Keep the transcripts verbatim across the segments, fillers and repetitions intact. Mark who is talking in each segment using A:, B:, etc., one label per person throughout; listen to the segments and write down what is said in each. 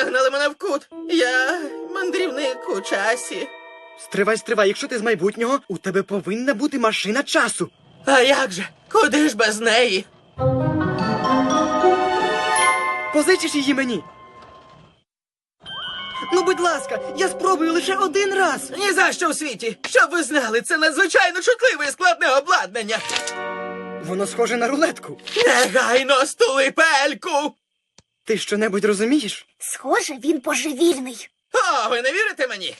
A: загнали мене в кут. Я мандрівник у часі.
B: Стривай, стривай, якщо ти з майбутнього, у тебе повинна бути машина часу.
A: А як же? Куди ж без неї?
B: Позичиш її мені? Ну, будь ласка, я спробую лише один раз.
A: Ні за що в світі. Щоб ви знали, це надзвичайно чутливе і складне обладнання.
B: Воно схоже на рулетку.
A: Негайно стули пельку!
B: Ти що-небудь розумієш?
C: Схоже, він божевільний.
A: О, ви не вірите мені?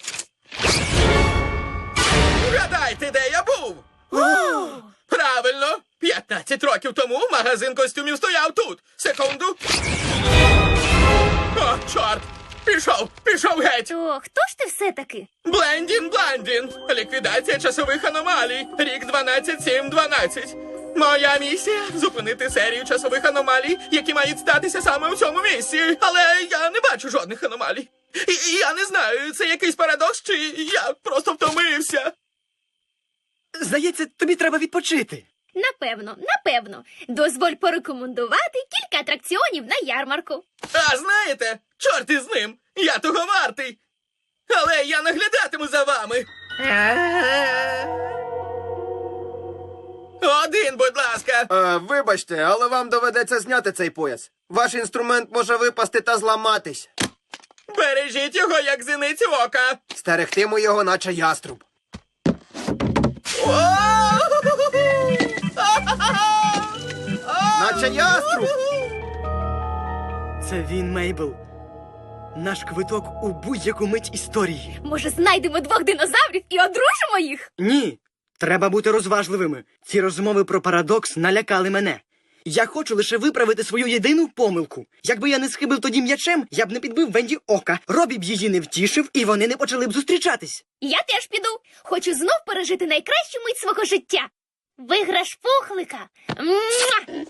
A: Вгадайте, де я був? Правильно! п'ятнадцять років тому магазин костюмів стояв тут. Секунду. О, чорт! Пішов, пішов геть!
C: То хто ж ти все-таки?
A: Блендін Бландін. Ліквідація часових аномалій. Рік дванадцять сім дванадцять. Моя місія – зупинити серію часових аномалій, які мають статися саме у цьому місці. Але я не бачу жодних аномалій. І, і я не знаю, це якийсь парадокс, чи я просто втомився.
B: Здається, тобі треба відпочити.
C: Напевно, напевно. Дозволь порекомендувати кілька атракціонів на ярмарку.
A: А знаєте, чорт із ним, я того вартий. Але я наглядатиму за вами. Один, будь ласка.
D: Е, вибачте, але вам доведеться зняти цей пояс. Ваш інструмент може випасти та зламатись.
A: Бережіть його, як зіниці ока.
D: Стерегтиму його, наче яструб. Наче яструб!
B: Це він, Мейбл. Наш квиток у будь-яку мить історії.
C: Може, знайдемо двох динозаврів і одружимо їх?
B: Ні, треба бути розважливими. Ці розмови про парадокс налякали мене. Я хочу лише виправити свою єдину помилку. Якби я не схибив тоді м'ячем, я б не підбив Венді ока. Робі б її не втішив, і вони не почали б зустрічатись.
C: Я теж піду. Хочу знов пережити найкращу мить свого життя. Виграш пухлика. Муа!